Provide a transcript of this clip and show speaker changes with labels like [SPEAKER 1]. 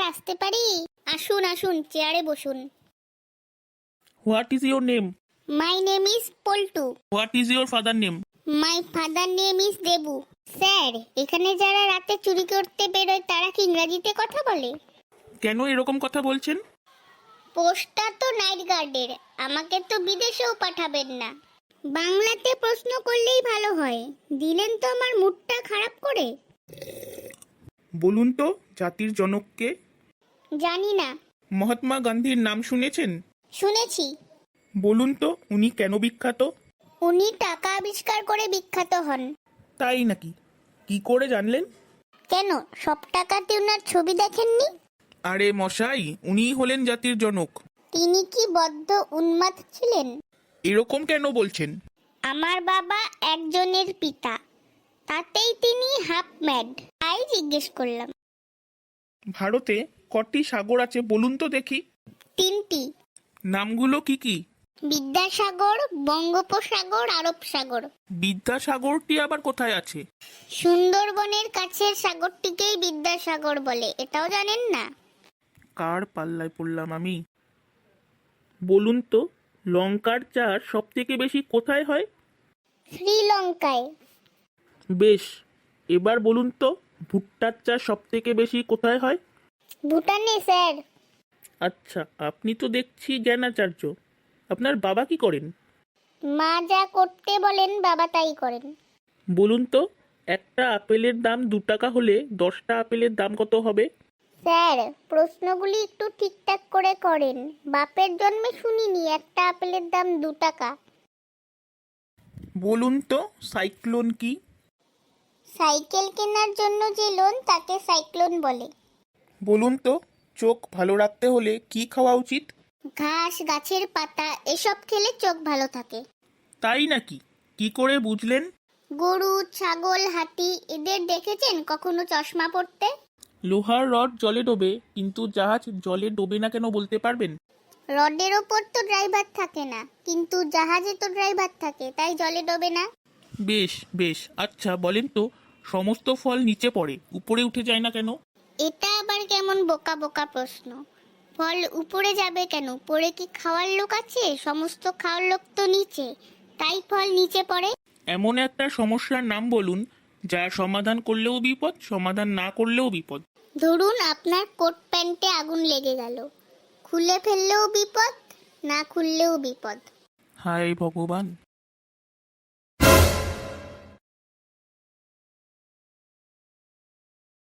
[SPEAKER 1] আসতে পারি? আসুন আসুন, চেয়ারে বসুন।
[SPEAKER 2] What is your name?
[SPEAKER 1] My name is Paltu.
[SPEAKER 2] What is your father name?
[SPEAKER 1] My father name is Debu. Sir, এখানে যারা রাতে চুরি করতে বেরোয় তারা কি ইংরাজিতে কথা বলে?
[SPEAKER 2] কেন এরকম কথা বলছেন?
[SPEAKER 1] পোস্টটা তো নাইট গার্ডের, আমাকে তো বিদেশেও পাঠাবেন না। বাংলাতে প্রশ্ন করলেই ভালো হয়, দিলেন তো আমার মুডটা খারাপ করে।
[SPEAKER 2] বলুন তো জাতির জনককে?
[SPEAKER 1] জানি না।
[SPEAKER 2] মহাত্মা গান্ধীর নাম শুনেছেন?
[SPEAKER 1] শুনেছি।
[SPEAKER 2] বলুন তো উনি কেন বিখ্যাত?
[SPEAKER 1] উনি টাকা আবিষ্কার করে বিখ্যাত হন।
[SPEAKER 2] তাই নাকি? কি করে জানলেন?
[SPEAKER 1] কেন, সব টাকাতে ওনার ছবি দেখেননি?
[SPEAKER 2] আরে মশাই, উনিই হলেন জাতির জনক।
[SPEAKER 1] তিনি কি বদ্ধ উন্মাদ ছিলেন?
[SPEAKER 2] এরকম কেন বলছেন?
[SPEAKER 1] আমার বাবা একজনের পিতা, তাতেই তিনি হাফ ম্যাড, তাই জিজ্ঞেস করলাম।
[SPEAKER 2] ভারতে কটি সাগর আছে বলুন তো দেখি?
[SPEAKER 1] 3টি।
[SPEAKER 2] নামগুলো কি কি?
[SPEAKER 1] বিদ্যাসাগর, বঙ্গোপসাগর, আরব সাগর।
[SPEAKER 2] বিদ্যাসাগরটি আবার কোথায় আছে?
[SPEAKER 1] সুন্দরবনের কাছের সাগরটিকেই বিদ্যাসাগর বলে, এটাও জানেন না?
[SPEAKER 2] কার পাল্লায় পড়লাম আমি? বলুন তো লঙ্কার চাষ সব থেকে বেশি কোথায় হয়?
[SPEAKER 1] শ্রীলঙ্কায়।
[SPEAKER 2] বেশ, এবার বলুন তো ভুট্টার চাষ সব থেকে বেশি কোথায় হয়?
[SPEAKER 1] ভুটানে স্যার।
[SPEAKER 2] আচ্ছা, আপনি তো দেখছি জ্ঞানাচার্য। আপনার বাবা কি করেন?
[SPEAKER 1] মা যা করতে বলেন বাবা তাই করেন।
[SPEAKER 2] বলুন তো একটা আপেলের দাম 2 টাকা হলে 10টা আপেলের দাম কত হবে?
[SPEAKER 1] স্যার, প্রশ্নগুলি একটু ঠিকঠাক করে করেন। বাপের জন্মে শুনিনি একটা আপেলের দাম 2 টাকা।
[SPEAKER 2] বলুন তো সাইক্লোন কি?
[SPEAKER 1] সাইকেল কেনার জন্য যে লোন তাকে সাইক্লোন বলে।
[SPEAKER 2] বলুন তো চোখ ভালো রাখতে হলে কি খাওয়া উচিত?
[SPEAKER 1] ঘাস, গাছের পাতা এসব খেলে চোখ ভালো থাকে।
[SPEAKER 2] তাই নাকি? কি করে বুঝলেন?
[SPEAKER 1] গরু, ছাগল, হাতি এদের দেখেছেন কখনো চশমা পরতে?
[SPEAKER 2] লোহার রড জলে ডোবে কিন্তু জাহাজ জলে ডোবে না কেন বলতে পারবেন?
[SPEAKER 1] রডের ওপর তো ড্রাইভার থাকে না, কিন্তু জাহাজে তো ড্রাইভার থাকে, তাই জলে ডোবে না।
[SPEAKER 2] বেশ বেশ, আচ্ছা বলেন তো সমস্ত ফল নিচে পড়ে উপরে উঠে যায় না কেন?
[SPEAKER 1] এটা আবার কেমন বোকা বোকা প্রশ্ন? ফল উপরে যাবে কেন? উপরে কি খাওয়ার লোক আছে? সমস্ত খাওয়ার লোক তো নিচে, তাই ফল নিচে পড়ে।
[SPEAKER 2] এমন একটা সমস্যার নাম বলুন যা সমাধান করলেও বিপদ, সমাধান না করলেও বিপদ।
[SPEAKER 1] ধরুন আপনার কোট প্যান্টে আগুন লেগে গেল, খুলে ফেললেও বিপদ, না খুললেও বিপদ।
[SPEAKER 2] হায় ভগবান!